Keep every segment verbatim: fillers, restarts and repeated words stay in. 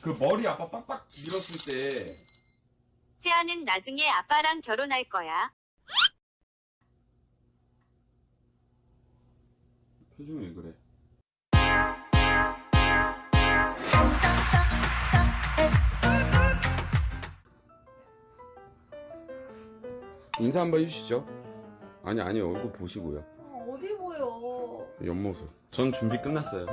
그 머리 아빠 빡빡 밀었을 때 세아는 나중에 아빠랑 결혼할 거야. 표정이 왜 그래? 인사 한번 해주시죠. 아니 아니 얼굴 보시고요. 어디 보여? 옆모습. 전 준비 끝났어요.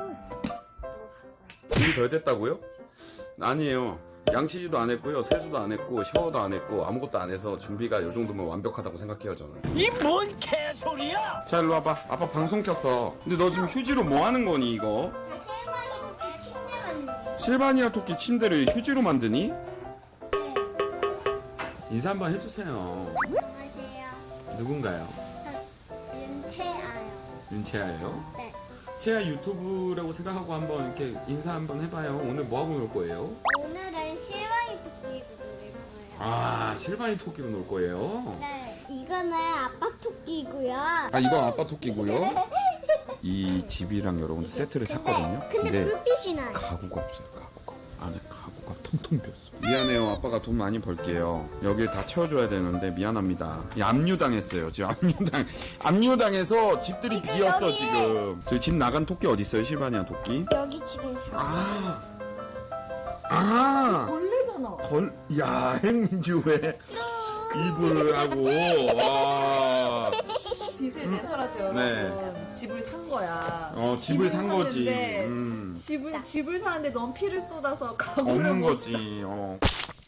준비 덜 됐다고요? 아니에요. 양치지도 안 했고요. 세수도 안 했고 샤워도 안 했고 아무것도 안 해서 준비가 요 정도면 완벽하다고 생각해요 저는. 이 뭔 개소리야! 자 일로 와봐. 아빠 방송 켰어. 근데 너 지금 휴지로 뭐 하는 거니 이거? 저 실망이 토끼 침대 만드는 실바니아 토끼 침대를 휴지로 만드니? 네. 인사 한번 해주세요. 안녕하세요. 누군가요? 저 윤채아요. 윤채아예요? 네. 채아 유튜브라고 생각하고 한번 이렇게 인사 한번 해봐요. 오늘 뭐 하고 놀 거예요? 오늘은 실망이 토끼로 놀 거예요. 아 실바니 토끼로 놀 거예요? 네. 이거는 아빠 토끼고요. 아 이건 아빠 토끼고요. 이 집이랑 여러분들 세트를 샀거든요. 근데, 근데 불빛이 나요. 가구가 없어요. 가구가 안에 가구가 텅텅 비었어. 미안해요. 아빠가 돈 많이 벌게요. 여기 다 채워줘야 되는데 미안합니다. 이 압류당했어요. 지금 압류당 압류당해서 집들이 지금 비었어 여기. 지금. 저희 집 나간 토끼 어디 있어요? 실바니아 토끼? 여기 지금 사. 아. 아. 벌레잖아. 걸 야행주에 이불을 하고 와. 빚을 내서라도 여러분 네. 집을 산 거야. 어 집을 산 거지. 샀는데 음. 집을 집을 사는데 넌 피를 쏟아서 가구를 없는 못 거지. 어.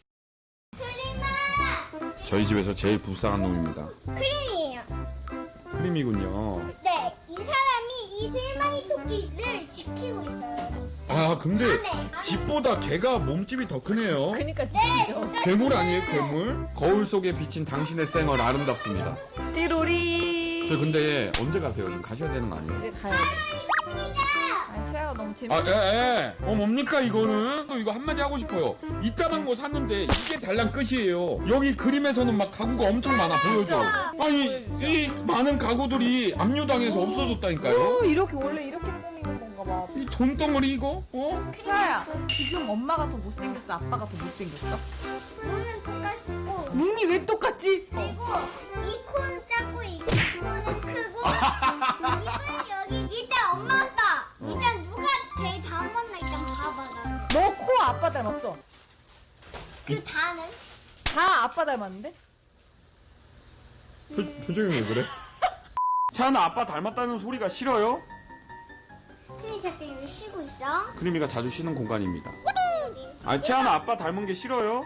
저희 집에서 제일 불쌍한 놈입니다. 크림이에요. 크림이군요. 네. 이 사람이 이 실망이 토끼를 지키고 있어요. 아 근데 안에. 집보다 개가 몸집이 더 크네요. 그니까 진짜죠. 괴물 아니에요 괴물? 거울 속에 비친 당신의 쌩얼 아름답습니다. 띠로리. 저 근데 언제 가세요? 지금 가셔야 되는 거 아니에요? 이제 가야 돼. 아니 채아가 너무 재밌어. 아, 예, 예. 어, 뭡니까, 이거는? 또 이거 한마디 하고 싶어요. 이따만 거 샀는데, 이게 달랑 끝이에요. 여기 그림에서는 막 가구가 엄청 많아, 보여줘. 아니, 이 많은 가구들이 압류당해서 없어졌다니까요? 어, 이렇게 원래 이렇게 꾸미는 건가 봐. 이 돈덩어리 이거? 어? 채아야, 지금 엄마가 더 못생겼어, 아빠가 더 못생겼어? 눈은 똑같고 눈이 왜 똑같지? 그리고 이 코는 작고 이 코는 크고 입은 여기 일단 엄마 아빠 일단 누가 제일 닮았나 일단 봐봐 나. 너 코 아빠 닮았어. 그 다는 다 아빠 닮았는데? 표, 표정이 왜 그래? 차나 아빠 닮았다는 소리가 싫어요? 크림 잠깐 여기 쉬고 있어. 크리미가 자주 쉬는 공간입니다. 아, 채아나 아빠 닮은 게 싫어요?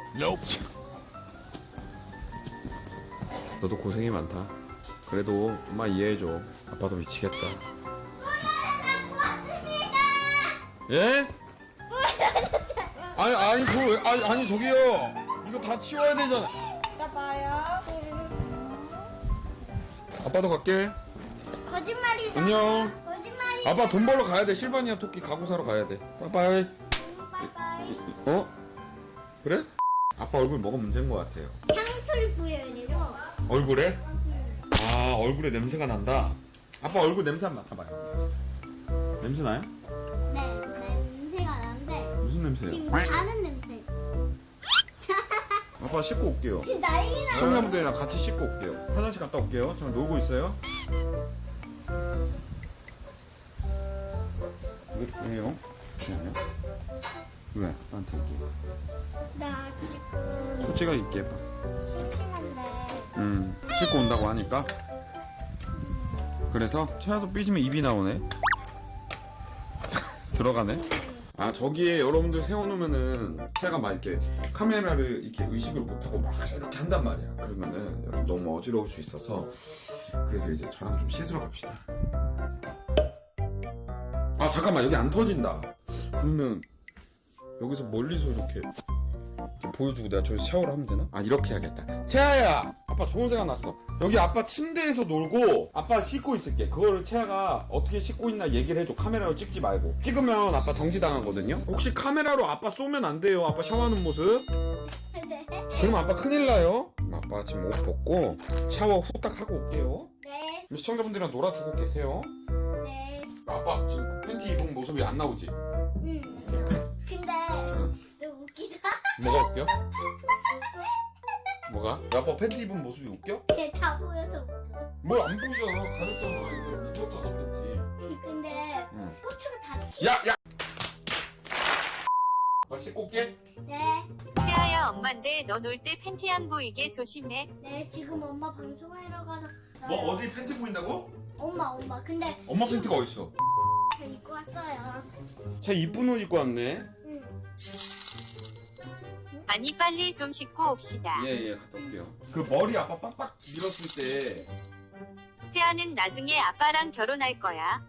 너도 고생이 많다. 그래도 좀만 이해해줘. 아빠도 미치겠다. 예? 아니, 아니, 그거 왜, 아니, 아니, 저기요. 이거 다 치워야 되잖아. 이따 봐요. 아빠도 갈게. 거짓말이다. 안녕. 거짓말이다. 아빠 돈 벌러 가야 돼. 실바니아 토끼 가구 사러 가야 돼. 빠이빠이. 빠이빠이. 어? 그래? 아빠 얼굴 뭐가 문제인 것 같아요. 향수를 뿌려야 되고. 얼굴에? 아, 얼굴에 냄새가 난다. 아빠 얼굴 냄새 한번 맡아봐요. 냄새 나요? 네, 냄새가 나는데 무슨 냄새요? 지금 자는 냄새. 아빠 씻고 올게요. 지금 난리 나. 시청자분들이랑 같이 씻고 올게요. 화장실 갔다 올게요. 저 놀고 있어요. 왜, 왜요? 왜요? 왜? 나한테 얘기해. 나 지금 솔직하게 얘기해봐. 심심한데. 음, 씻고 온다고 하니까. 그래서 채아도 삐지면 입이 나오네. 들어가네. 아, 저기에 여러분들 세워놓으면은 채아가 막 이렇게 카메라를 이렇게 의식을 못하고 막 이렇게 한단 말이야. 그러면은 여러분 너무 어지러울 수 있어서 그래서 이제 저랑 좀 씻으러 갑시다. 아, 잠깐만, 여기 안 터진다. 그러면 여기서 멀리서 이렇게 이렇게 보여주고 내가 저기서 샤워를 하면 되나? 아, 이렇게 해야겠다. 채아야, 아빠 좋은 생각 났어. 여기 아빠 침대에서 놀고 아빠 씻고 있을게. 그거를 채아가 어떻게 씻고 있나 얘기를 해줘. 카메라로 찍지 말고. 찍으면 아빠 정지당하거든요. 혹시 카메라로 아빠 쏘면 안 돼요. 아빠 샤워하는 모습. 네. 그럼 아빠 큰일 나요. 아빠 지금 옷 벗고 샤워 후딱 하고 올게요. 네. 그럼 시청자분들이랑 놀아주고 계세요. 네. 아빠 지금 팬티 입은 모습이 안 나오지? 음. 근데 응. 뭐가 웃겨? 뭐가? 야, 아빠 팬티 입은 모습이 웃겨? 다 보여서 웃겨. 뭘 안 보이잖아. 가렸잖아. 이거 입었잖아 팬티. 근데 응. 고추가 다 튀. 야, 야. 아빠 씻고 올게. 네. 채아야 엄마인데 너 놀 때 팬티 안 보이게 조심해. 네 지금 엄마 방송하러 가서. 뭐 어디 팬티 보인다고? 엄마 엄마 근데 엄마 팬티가 어딨어? 저 입고 왔어요. 쟤 이쁜 옷 입고 왔네. 응. 아니 빨리 좀 씻고 옵시다. 예예 갔다 올게요. 그 머리 아빠 빡빡 밀었을 때 채아는 나중에 아빠랑 결혼할 거야.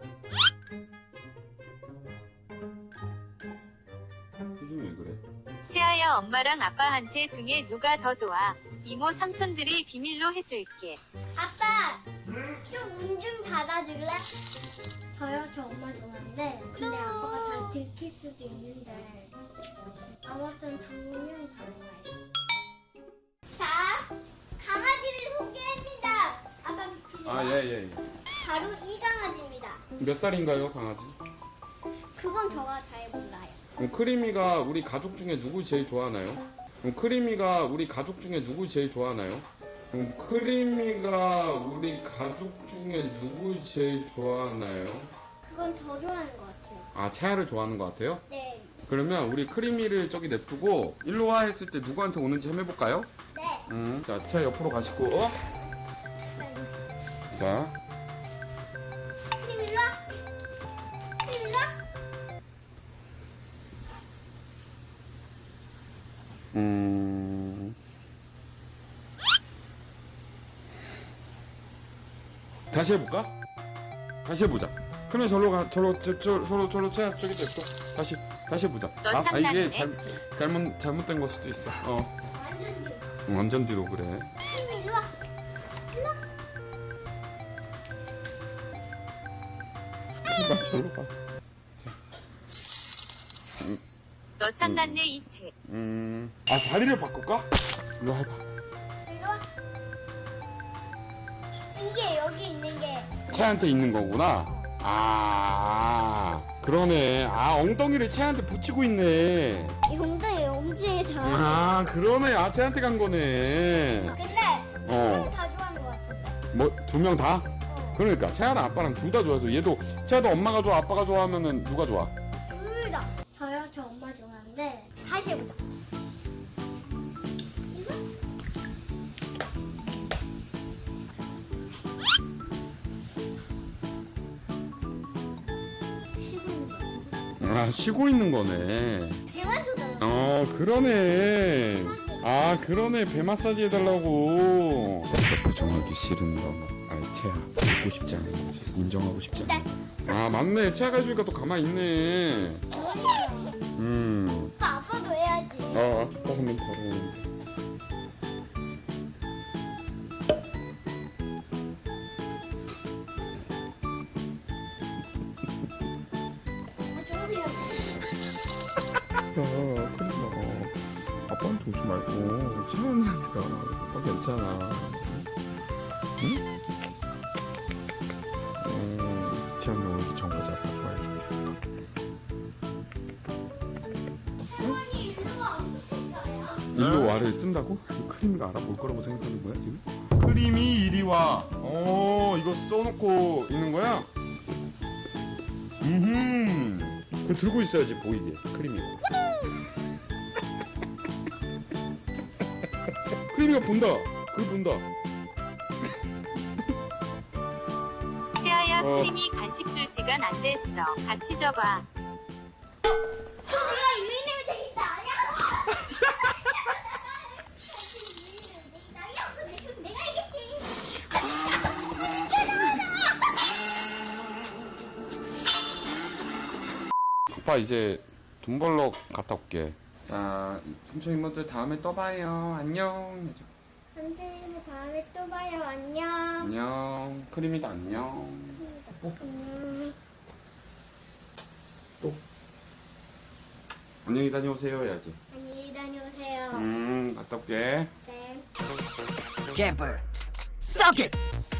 표정이 왜 그래? 채아야 엄마랑 아빠한테 중에 누가 더 좋아? 이모 삼촌들이 비밀로 해줄게. 아빠 좀 문 좀 닫아줄래? 저요 저 엄마 좋아하는데 근데 아빠가 다 들킬 수도 있는데 아무튼 두 명 다 좋아해요. 자 강아지를 소개합니다. 아빠 비키세요. 아 예예 예. 바로 이 강아지입니다. 몇 살인가요 강아지? 그건 저가 잘 몰라요. 그럼 크리미가 우리 가족 중에 누구 제일 좋아하나요? 그럼 크리미가 우리 가족 중에 누구 제일 좋아하나요? 그럼 크리미가 우리 가족 중에 누구 제일 좋아하나요? 그건 더 좋아하는 것 같아요. 아 채아를 좋아하는 것 같아요? 네. 그러면 우리 크리미를 저기 냅두고 일로 와 했을 때 누구한테 오는지 한번 해볼까요? 네. 음, 자 채아 옆으로 가시고 어? 자 힘 일로 와. 힘 일로 와. 음... 다시 해볼까? 다시 해보자. 그러면 절로 가, 절로, 저, 저, 절로, 절로, 채 저기 됐고. 다시, 다시 해보자. 너 아, 아, 참나네. 이게 잘, 잘못, 잘못된 걸 수도 있어. 어, 완전 뒤로. 응, 완전 뒤로 그래. 힘 일로 와. 일로 와. 나 절로 가. 너 참났네 이트. 음, 아, 자리를 바꿀까? 이거 해봐. 일로 와. 이게 여기 있는 게 채한테 있는 거구나. 아, 그러네. 아, 엉덩이를 채한테 붙이고 있네. 엉덩이 엄지에 다. 아, 그러네. 아, 채한테 간 거네. 근데 어. 다 좋아하는 것 같은데. 뭐, 두 명 다? 어. 그러니까 채아랑 아빠랑 둘 다 좋아서 얘도 채아도 엄마가 좋아 아빠가 좋아하면은 누가 좋아? 둘 다. 저요 저 엄마 좋아하는데 다시 해보자. 이거? 쉬고 있는 거. 아 쉬고 있는 거네. 배만 쏟아. 어 그러네. 아 그러네 배 마사지 해달라고. 됐어 부정하기 싫은 거. 아 채아 듣고 싶지 않은 거지. 인정하고 싶지 않아. 아 맞네 채아가 해주니까 또 가만히 있네. 음. 아빠 아빠도 해야지. 어 아빠 하면 바로 오는데. 아, 저거 그냥 야, 큰일 나. 아빠한테 오지 말고, 채원이한테 가. 아빠 괜찮아. 응? 음, 채원이 오늘 전까지 아빠 좋아해줄게. 언니 일로 와 어떻게 써요? 일로 와를 쓴다고? 이거 크림이가 알아볼 거라고 생각하는 거야, 지금? 크림이 이리 와. 어, 이거 써놓고 있는 거야? 음흠. 그거 들고 있어야지, 보이게. 크림이. 크림이가 본다. 그거 본다. 채아야 어. 크림이 간식 줄 시간 안 됐어. 같이 줘봐. 내가 유인하면 되겠다. 야. 야, 그거 내가 이겼지. 아빠 이제 돈 벌러 갔다 올게. 자, 삼촌 이모들 다음에 또 봐요. 안녕. 해줘. 선생님 다음에 또 봐요. 안녕. 안녕. 크림이도 안녕. 음. 또. 안녕히 다녀오세요 해야지. 안녕히 다녀오세요. 음, 갔다 올게. 네. Camper, suck it.